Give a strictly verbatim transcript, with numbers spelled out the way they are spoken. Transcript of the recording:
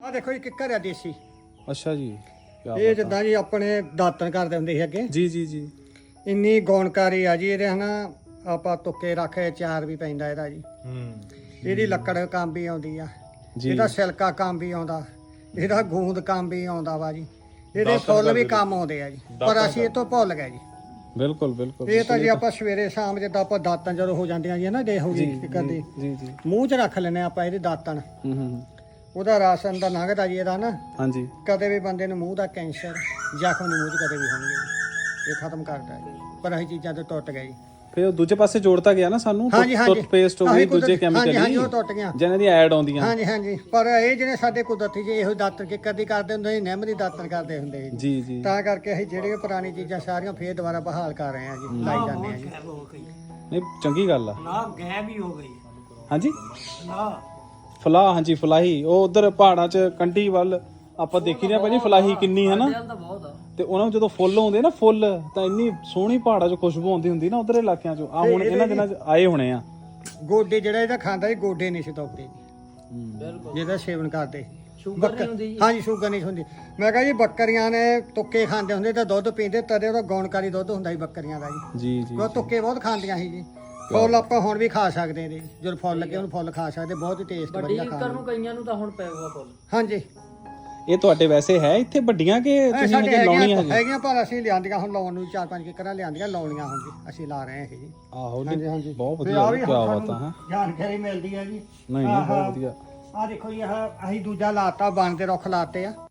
ਆ ਦੇਖੋ ਜੀ ਕਿੱਕਰ ਆ ਦੇਸੀ। ਅੱਛਾ ਜੀ, ਇਹ ਜਿੱਦਾਂ ਜੀ ਆਪਣੇ ਦਾਤਣ ਕਰਦੇ ਹੁੰਦੇ ਸੀ ਅੱਗੇ, ਜੀ ਜੀ ਜੀ। ਇੰਨੀ ਗੌਣਕਾਰੀ ਆ ਜੀ ਇਹਦੇ ਹਨਾ। ਆਪਾਂ ਤੁੱਕੇ ਰੱਖੇ ਚਾਰ ਵੀ ਪੈਂਦਾ ਇਹਦਾ ਜੀ। ਹੂੰ। ਇਹਦੀ ਲੱਕੜ ਕੰਮ ਵੀ ਆਉਂਦੀ ਆ, ਜੀ। ਇਹਦਾ ਸਿਲਕਾ ਕੰਮ ਵੀ ਆਉਂਦਾ, ਇਹਦਾ ਗੂੰਦ ਕੰਮ ਵੀ ਆਉਂਦਾ ਵਾ ਜੀ। ਇਹਦੇ ਫੁੱਲ ਵੀ ਕੰਮ ਆਉਂਦੇ ਆ ਜੀ, ਪਰ ਅਸੀਂ ਇਹ ਤੋਂ ਭੁੱਲ ਗਏ ਜੀ। ਬਿਲਕੁਲ ਬਿਲਕੁਲ। ਇਹ ਤਾਂ ਜੇ ਆਪਾਂ ਸਵੇਰੇ ਸ਼ਾਮ ਜਿੱਦਾਂ ਆਪਾਂ ਦਾਤਣ ਜਦੋਂ ਹੋ ਜਾਂਦੀਆਂ ਜੀ ਨਾ ਡੇ ਹੋ ਗਈ ਕਰਦੀ, ਜੀ ਜੀ। ਮੂੰਹ 'ਚ ਰੱਖ ਲੈਨੇ ਆਪਾਂ ਇਹਦੇ ਦਾਤਣ। ਹੂੰ ਹੂੰ। ਉਹਦਾ ਰਾਸ਼ਨ ਦਾ ਲੰਘਦਾ ਜੀ ਇਹਦਾ ਨਾ। ਹਾਂਜੀ। ਕਦੇ ਵੀ ਬੰਦੇ ਨੂੰ ਮੂੰਹ ਦਾ ਕੈਂਸਰ ਜ਼ਖਮ ਨਹੀਂ ਮੂੰਹ 'ਚ ਕਦੇ ਵੀ ਹੋਣਗੇ ਜੀ। ਇਹ ਖਤਮ ਕਰਦਾ ਜੀ, ਪਰ ਅਸੀਂ ਚੀਜ਼ਾਂ ਤੋਂ ਟੁੱਟ ਗਏ ਜੀ। ਫਿਰ ਉਹ ਦੂਜੇ ਪਾਸੇ ਜੋੜਤਾ ਗਿਆ ਨਾ ਸਾਨੂੰ, ਹਾਂਜੀ ਹਾਂਜੀ ਟੁੱਥਪੇਸਟ ਹੋ ਗਈ, ਦੂਜੇ ਕੈਮੀਕਲ ਹਾਂਜੀ ਉਹ ਟੁੱਟ ਗਿਆ ਜਿਹਨਾਂ ਦੀ ਐਡ ਆਉਂਦੀਆਂ। ਹਾਂਜੀ ਹਾਂਜੀ, ਪਰ ਇਹ ਜਿਹੜੇ ਸਾਡੇ ਕੁਦਰਤੀ ਜੀ ਇਹੋ ਦਾਤਣ ਕੇ ਕਦੀ ਕਰਦੇ ਹੁੰਦੇ ਸੀ, ਨਿੰਮ ਦੀ ਦਾਤਣ ਕਰਦੇ ਹੁੰਦੇ ਸੀ ਜੀ ਜੀ। ਤਾਂ ਕਰਕੇ ਅਸੀਂ ਜਿਹੜੀਆਂ ਪੁਰਾਣੀ ਚੀਜ਼ਾਂ ਸਾਰੀਆਂ ਫੇਰ ਦੁਬਾਰਾ ਬਹਾਲ ਕਰ ਰਹੇ ਹਾਂ ਜੀ, ਲਾਈ ਜਾਂਦੇ ਹਾਂ ਜੀ। ਨਹੀਂ ਚੰਗੀ ਗੱਲ ਆ। ਨਾ ਗੈਬ ਹੀ ਹੋ ਗਈ। ਹਾਂਜੀ। ਨਾ ਫਲਾਹ, ਹਾਂਜੀ ਫਲਾਹੀ, ਉਹ ਉਧਰ ਪਹਾੜਾਂ 'ਚ ਕੰਢੀ ਵੱਲ ਆਪਾਂ ਦੇਖੀ ਰਿਹਾ ਭਾਜੀ ਫਲਾਹੀ ਕਿੰਨੀ ਹੈ ਨਾ। ਤਾਂ ਬਹੁਤ ਆ। ਤੇ ਉਹਨਾਂ ਨੂੰ ਜਦੋਂ ਫੁੱਲ ਆਉਂਦੇ ਨਾ, ਫੁੱਲ ਤਾਂ ਇੰਨੀ ਸੋਹਣੀ ਪਹਾੜਾਂ 'ਚ ਖੁਸ਼ਬੂ ਆਉਂਦੀ ਹੁੰਦੀ ਨਾ ਉਧਰ ਇਲਾਕਿਆਂ 'ਚ। ਆ ਹੁਣ ਇਹਨਾਂ ਦਿਨਾਂ 'ਚ ਆਏ ਹੋਣੇ ਆ। ਗੋਡੇ ਜਿਹੜਾ ਇਹਦਾ ਖਾਂਦਾ ਸੀ, ਗੋਡੇ ਨਹੀਂ ਸੀ ਦੁਖਦੇ ਜੀ ਬਿਲਕੁਲ। ਜਿਹਦਾ ਸੇਵਨ ਕਰਦੇ। ਸ਼ੂਗਰ ਨਹੀਂ ਹੁੰਦੀ ਜੀ। ਹਾਂਜੀ ਸ਼ੂਗਰ ਨਹੀਂ ਹੁੰਦੀ। ਮੈਂ ਕਿਹਾ ਜੀ ਬੱਕਰੀਆਂ ਨੇ ਤੁੱਕੇ ਖਾਂਦੇ ਹੁੰਦੇ ਤਾਂ ਦੁੱਧ ਪੀਂਦੇ, ਤਦੇ ਉਹਦਾ ਗੌਣਕਾਰੀ ਦੁੱਧ ਹੁੰਦਾ ਸੀ ਬੱਕਰੀਆਂ ਦਾ ਜੀ। ਜੀ ਜੀ। ਉਹ ਤੁੱਕੇ ਬਹੁਤ ਖਾਂਦੀਆਂ ਸੀ ਜੀ। ਫੁੱਲ ਆਪਾਂ ਹੁਣ ਵੀ ਖਾ ਸਕਦੇ ਨੇ, ਜਦੋਂ ਫੁੱਲ ਲੱਗੇ ਉਹਨੂੰ ਫੁੱਲ ਖਾ ਸਕਦੇ, ਬਹੁਤ ਹੀ ਟੇਸਟ ਵੱਡੀ ਵਧੀਆ ਲੀਕਰ ਨੂੰ ਕਈਆਂ ਨੂੰ ਤਾਂ ਹੁਣ ਪੈਗਾ ਫੁੱਲ। ਹਾਂਜੀ ਇਹ ਤੁਹਾਡੇ ਵੈਸੇ ਹੈ ਇੱਥੇ ਵੱਡੀਆਂ ਕਿ ਇਹ ਤੁਸੀਂ ਸਾਡੇ ਹਜੇ ਲਾਉਣੀਆਂ ਹੈਗੀਆਂ ਹਜੇ? ਹੈਗੀਆਂ ਪਰ ਅਸੀਂ ਲਿਆਂਦੀਆਂ ਹੁਣ ਲਾਉਣ ਨੂੰ ਚਾਰ ਪੰਜ ਕਿੱਕਰਾਂ ਲਿਆਂਦੀਆਂ, ਲਾਉਣੀਆਂ ਹੁਣ ਜੀ ਅਸੀਂ ਲਾ ਰਹੇ ਹਾਂ ਇਹ ਜੀ। ਆਹੋ ਹਾਂਜੀ ਹਾਂਜੀ ਬਹੁਤ ਤੇ ਵਧੀਆ, ਆਹ ਵੀ ਕੀ ਹੁਣ ਬਾਤ ਆ। ਸਾਨੂੰ ਹਾਂ ਜਾਣਕਾਰੀ ਮਿਲਦੀ ਹੈ ਜੀ। ਨਹੀਂ ਨਹੀਂ ਬਹੁਤ ਵਧੀਆ। ਆਹ ਦੇਖੋ ਜੀ, ਆਹ ਅਸੀਂ ਦੂਜਾ ਲਾਤਾ, ਬਣ ਦੇ ਰੁੱਖ ਲਾਤੇ ਆ।